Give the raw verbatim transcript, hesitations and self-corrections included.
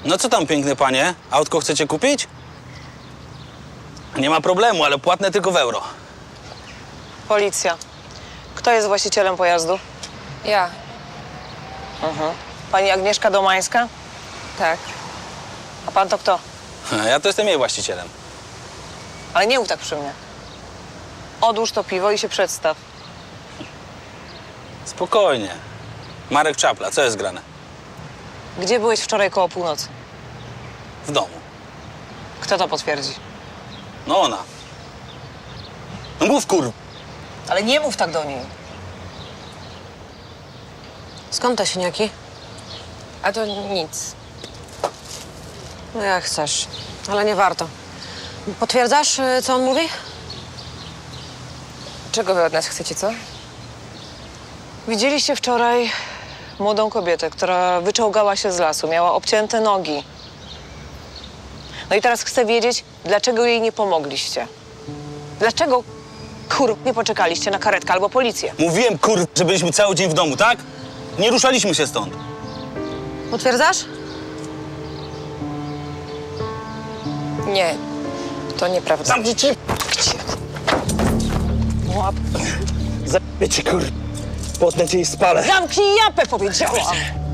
No co tam, piękne panie? Autko chcecie kupić? Nie ma problemu, ale płatne tylko w euro. Policja. Kto jest właścicielem pojazdu? Ja, Pani Agnieszka Domańska? tak. A pan to kto? Ja to jestem jej właścicielem. Ale nie mów tak przy mnie. Odłóż to piwo i się przedstaw. Spokojnie. Marek Czapla, co jest grane? Gdzie byłeś wczoraj koło północy? W domu. Kto to potwierdzi? No ona. No mów, kur... Ale nie mów tak do niej. Skąd te siniaki? A to nic. No jak chcesz, ale nie warto. Potwierdzasz, y, co on mówi? Czego wy od nas chcecie, co? Widzieliście wczoraj młodą kobietę, która wyczołgała się z lasu. Miała obcięte nogi. No i teraz chcę wiedzieć, dlaczego jej nie pomogliście. Dlaczego, kur, nie poczekaliście na karetkę albo policję? Mówiłem, kur... że byliśmy cały dzień w domu, tak? Nie ruszaliśmy się stąd. Potwierdzasz? Nie, to nieprawda. Zamknij cię! Łap. Zabijcie, kur... Potnę cię i spalę. Zamknij japę, powiedziałam!